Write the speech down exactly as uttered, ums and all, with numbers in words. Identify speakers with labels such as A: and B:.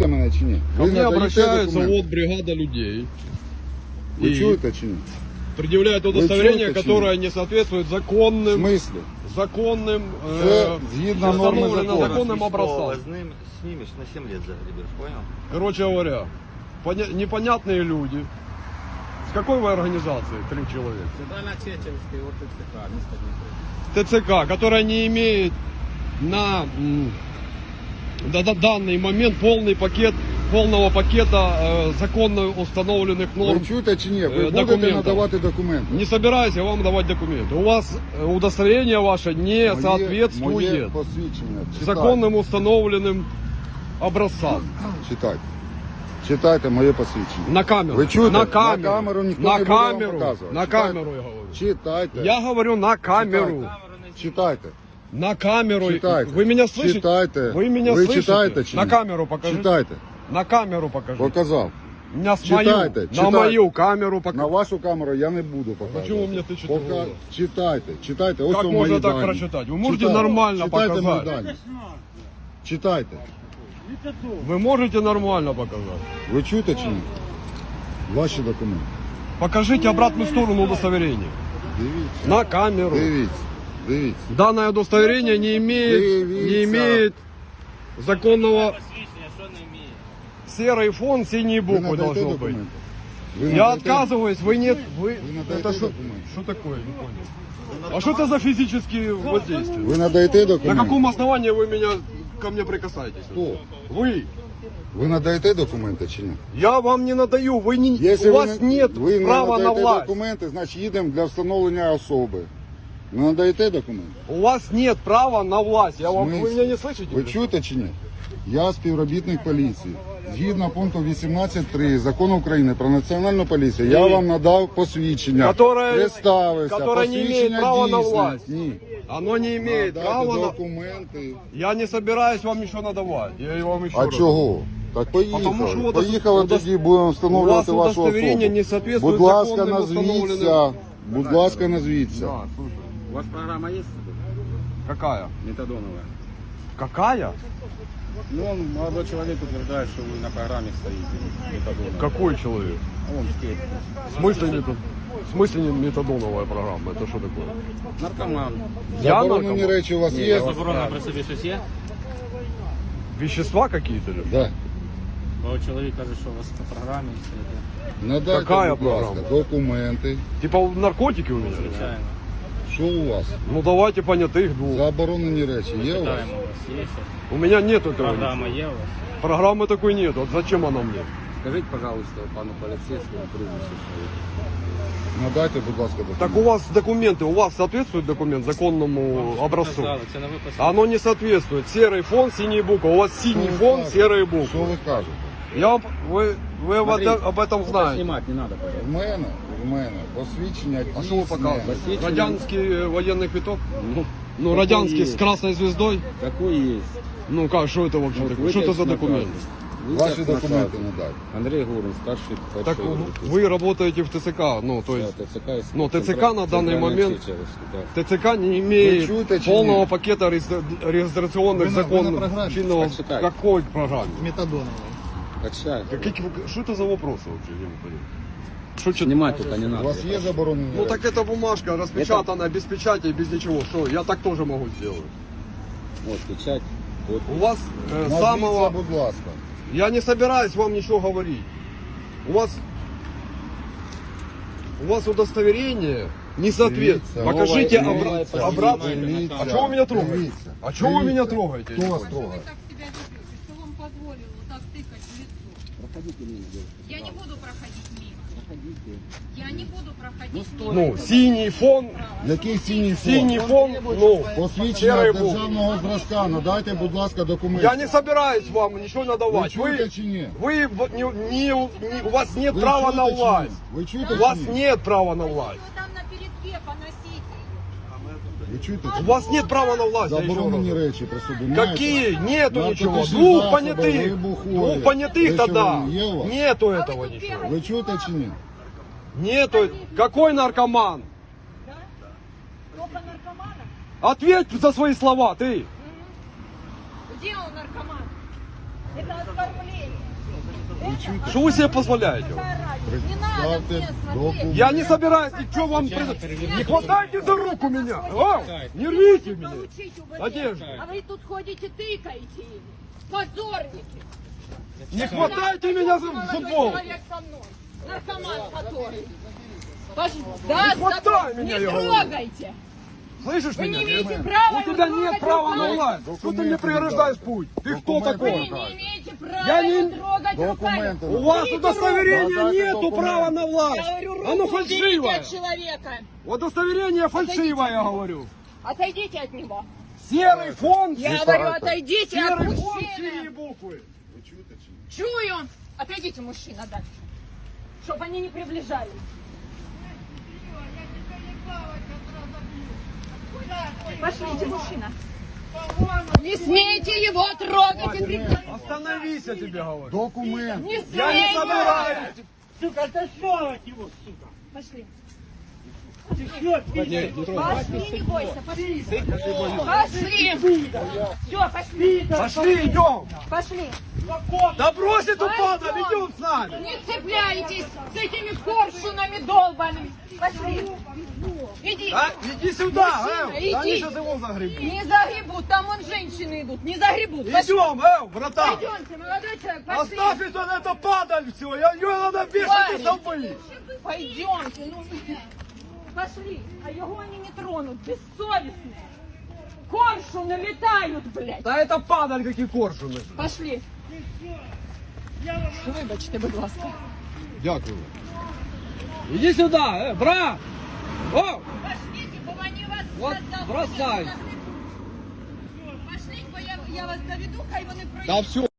A: чуєте мене чи ні?
B: Ко
A: Ви
B: мне
A: надаєте
B: обращается
A: документи?
B: вот бригада людей.
A: Ви
B: и
A: чуєте чи ні?
B: предъявляют удостоверение,
A: чуете,
B: которое не соответствует
A: В
B: законным,
A: смислі?
B: законным,
A: Це
B: э,
A: згідно норми
B: установленным
A: закону.
B: законным образцам.
C: Снимешь на семь лет загребешь, понял?
B: Короче говоря, поня- непонятные люди. С какой вы организации? Три человека.
D: Центрально-Чеченский ОТЦК, место Днепра.
B: ТЦК, которая не имеет на м, да- да- данный момент полный пакет, полного пакета э, законно установленных норм.
A: Ви чуєте чи ні? Ви
B: Е,
A: будете
B: документів.
A: надавати документи?
B: Не собираюсь я вам давать документы. У вас э, удостоверение ваше не
A: Моє-
B: соответствует
A: Моє посвідчення. Читайте.
B: законным установленным образцам.
A: Читайте. Читайте моє посвідчення.
B: На камеру.
A: Ви чуєте?
B: На камеру.
A: На камеру ніхто
B: на
A: не буде вам
B: камеру.
A: показувати.
B: На
A: Читайте.
B: камеру я говорю.
A: Читайте.
B: Я говорю на камеру.
A: Читайте.
B: На камеру.
A: Читайте.
B: Вы меня слышите?
A: Читайте.
B: Вы меня
A: Ви
B: слышите?
A: читаєте чи
B: На
A: ні?
B: камеру покажите.
A: Читайте.
B: На камеру покажите.
A: Показав.
B: Меня с
A: Читайте,
B: мою, на
A: читайте.
B: мою камеру покажите.
A: На вашу камеру я не буду показувати.
B: чому ви мені тичете в
A: Пока...
B: голову?
A: Читайте, читайте. Ось
B: Как
A: у
B: можно
A: мої
B: так
A: дані.
B: прочитать? Вы можете
A: Читайте.
B: нормально
A: Читайте
B: показать?
A: мої дані. Читайте.
B: Вы можете нормально показать?
A: Ви чуєте чи ні? Ваші документи.
B: Покажите обратную сторону удостоверения.
A: Дивіться.
B: На камеру.
A: Дивіться. Дивіться.
B: Данное удостоверение не имеет,
A: Дивіться.
B: не имеет законного
D: Посвящение, что она имеет?
B: серый фон, синие
A: Ви
B: буквы
A: надаєте
B: должно быть.
A: документи? Ви
B: Я
A: надаєте?
B: отказываюсь, вы нет, вы,
A: Вы надаете
B: это что,
A: документы?
B: что такое, не понял. А что это за физические воздействия?
A: Ви надаєте документи?
B: На каком основании вы меня, ко мне прикасаетесь?
A: Хто?
B: Вы.
A: Ви надаєте документи чи ні?
B: Я вам не надаю, вы не,
A: Якщо
B: у
A: ви
B: вас
A: не-
B: нет
A: ви не
B: права на
A: надаєте
B: власть.
A: документи, значить їдемо для встановлення особи. Ви надаєте документи?
B: У вас нет права на власть. Я вам, вы
A: смысле?
B: меня не слышите?
A: Ви чуєте чи ні? Я співробітник поліції. Згідно пункту вісімнадцять три Закону України про національну поліцію, я
B: Ні.
A: вам надав посвідчення,
B: Которое-
A: представився,
B: которое не
A: посвідчення
B: имеет права на
A: дійсне.
B: власть.
A: Ні.
B: Оно не имеет
A: Надайте
B: права на...
A: документи.
B: Я не собираюсь вам ничего надавать. Я вам еще
A: А
B: раз.
A: чого? Так
B: Потому що
A: поїхали.
B: удос-
A: Поїхали
B: удос-
A: тоді, будемо встановлювати
B: у вас
A: вашу
B: удостоверение
A: особу.
B: не соответствует
A: Будь ласка,
B: законным
A: назвіться.
B: установленным-
A: Будь ласка, назвіться.
B: Да, слушай.
D: У вас программа есть?
B: Какая?
D: Метадоновая.
B: Какая?
D: Ну, он, молодой человек утверждает, что вы на программе стоите. Метадоновая.
B: Какой человек?
D: А он скейт.
B: В смысле, метод... в смысле не метадоновая программа? Это что такое?
D: Наркоман.
B: Я
A: Заборонені
B: наркоман?
A: речі у вас є?
D: Заборонено при собі щось є?
B: Вещества какие-то? ли?
A: Да.
D: Бо чоловік каже, що у вас на програмі все це.
A: Надайте,
B: Какая
A: будь ласка,
B: програма?
A: документи.
B: Типа наркотики у меня?
D: Звичайно.
A: Що у вас?
B: Ну давайте понятых двух.
A: Заборонені речі є у вас?
D: Питаємо у вас, є щось?
B: У меня нет этого.
D: Програма
B: ничего.
D: є у вас?
B: Программы такой нет. Вот зачем она мне?
E: Скажіть, пожалуйста, пану поліцейському прізвище своє.
A: Надайте, будь ласка, документи.
B: Так у вас документы, у вас соответствует документ законному образцу?
D: Сказали, це не ви писали.
B: Оно не соответствует. Серый фон, синие буквы. У вас
A: Що
B: синий
A: ви
B: фон,
A: кажете?
B: серые
A: Що
B: буквы.
A: ви кажете?
B: Я вам- вы, вы об,
D: Смотри.
B: это- об этом знаете.
D: Снимать не надо, пожалуйста.
A: В мене, в мене посвідчення
B: А что вы
A: дійсне.
B: показываете? Радянский э, военный квиток?
E: Ну,
B: Ну,
E: какой
B: радянский с
E: есть.
B: красной звездой?
E: Какой есть?
B: Ну как, что это вообще
E: Вот
B: такое? Что это за
E: вытекст
B: документ?
E: наказа.
A: Ваші
E: Вытекст
A: документи
E: наказа.
A: надайте.
E: Андрей Гурин, старший
B: Так
E: подшефный.
B: вы работаете в ТЦК, ну то
E: Да,
B: есть
E: ТЦК, есть
B: ну, ТЦК
E: центра-
B: на данный
E: центральная
B: момент-
E: Чечевская, да.
B: ТЦК не имеет
A: Вы чуете, чи
B: полного
A: ні?
B: пакета регистра- регистрационных
A: Вы на- вы на
B: законов.
A: программе?
B: чинного-
E: Так читай.
B: Какой программе?
E: Качай.
B: Какие- что это за вопросы вообще? Я не понимаю. Что, чё-
E: Снимать только не
A: У
E: надо.
A: вас є заборонені
B: Ну
A: речі?
B: так это бумажка распечатанная, без печати, без ничего. Что, я так тоже могу сделать.
E: Вот, печать. Вот.
B: У вас э,
A: Назвіться,
B: самого...
A: будь ласка.
B: Я не собираюсь вам ничего говорить. У вас... У вас удостоверение не соответствует.
A: Дивіться.
B: Покажите
E: Новое-
B: обра-
E: новое
B: обратно.
A: Дивіться.
B: А чего вы меня трогаете?
A: Дивіться.
B: А чего вы меня трогаете?
A: Хто вас
F: Вы
A: трогає?
F: так себя ведете? Кто вам позволил вот так тыкать в лицо?
E: Проходите мимо, девушка.
F: Я не буду проходить мимо. Я не буду проходить мимо.
B: Ну, синий фон,
A: Який синій фон?
B: синий фон, ну,
A: Посвідчення
B: серый буквы.
A: державного зразка. Надайте, будь ласка, документи.
B: Я не собираюсь вам ничего
A: Ви
B: надавать.
A: чуєте
B: Вы,
A: чи ні?
B: вы в- не, не- не- у вас нет
A: Ви
B: права
A: чуєте
B: на
A: чи ні?
B: власть.
A: Ви чуєте
B: У
A: чи
B: вас
A: ні?
B: нет права на власть.
F: Вы там на передке поносите ее.
A: Ви чуєте чи
B: У
A: ні?
B: вас нет права на власть. я еще
A: Заборонені
B: раз.
A: речі при собі маєте?
B: Какие? Нету
A: Наркотичні
B: ничего. Двух
A: засоби,
B: понятых.
A: вибухові.
B: Двух понятых
A: Речовини
B: тогда.
A: є у вас?
B: Нету
F: А вы
B: этого
F: тут
B: ничего.
F: бегаете.
A: Ви чуєте чи ні?
B: Нету. Какой наркоман?
F: Да? Только наркомана?
B: Ответь за свои слова, ты.
F: Где он наркоман? Это оскорбление.
A: чуєте?
B: Что вы себе позволяете?
F: Не надо мне
A: Представте
F: смотреть.
A: документ.
B: Я не собираюсь ничего вам... пред- Не хватайте за руку меня! О, не рвите меня!
F: Получить УБД.
B: Одежду.
F: А вы тут ходите, тыкаете им. Позорники.
B: Не хватайте меня за
F: Молодой
B: футбол!
F: человек со мной. Наркоман который. Пош- Да,
B: Не хватай
F: с-
B: меня,
F: не
B: я говорю.
F: трогайте.
B: Слышишь
F: Вы
B: меня?
F: не имеете права
B: У тебя
F: его
B: нет
F: трогать
B: права на
F: руками.
B: власть! Что ты мне
A: Документы
B: преграждаешь
A: не
B: путь? Ты кто
A: Документы
B: такой?
F: Вы
A: не
F: не имеете права
B: Я не-
F: его трогать
A: Документы
F: руками.
B: У вас
F: Уберите
B: удостоверения
A: Подайте
B: нету
A: документы.
B: права на
F: руку.
B: власть!
F: Я говорю,
B: Оно
F: руку уберите
B: фальшивое!
F: от человека.
B: Удостоверение фальшивое, я говорю!
F: Отойдите от него.
B: Серый фон!
F: Я
A: Здесь
F: говорю,
A: так.
F: отойдите от
B: Серый фон, синие
F: мужчины.
B: буквы!
A: Ви чуєте чи ні?
F: Чую. Отойдите, мужчина, дальше. Чтобы они не приближались. Пошлите, мужчина. Не смейте его трогать и кричать.
B: Остановись, я тебе говорю!
A: Документ.
F: Не
B: Я не
F: смейте.
B: собираюсь!
F: Пошли. Пошли, не бойся, пошли. Пошли. Все, пошли.
B: Пошли, идем!
F: Пошли.
B: Да брось эту
F: Пойдем.
B: падаль, идем с нами!
F: Не цепляйтесь с этими коршунами долбаными. Пошли. Иди.
B: А, иди сюда,
F: Мужчина,
B: э! Да они
F: иди.
B: сейчас его загребут!
F: Не загребут, там вон женщины идут. Не загребут. Пошли.
B: Идем, э, братан!
F: Пойдемте, молодой человек, пошли.
B: Оставь это, это падаль все, я, ее надо вешать
F: Парень.
B: из толпы!
F: Пойдемте, ну. Пошли. А его они не тронут, бессовестные. Коршуны летают, блядь.
B: Да это падаль, какие коршуны!
F: Пошли. Вибачте, будь ласка.
B: Дякую. Иди сюда, э, брат! О!
F: Пошлите, бо они вас
B: Вот
F: зараз
B: бросай.
F: загребуть. Пошліть, бо я, я вас доведу, хай вони пройдуть.
B: Да все.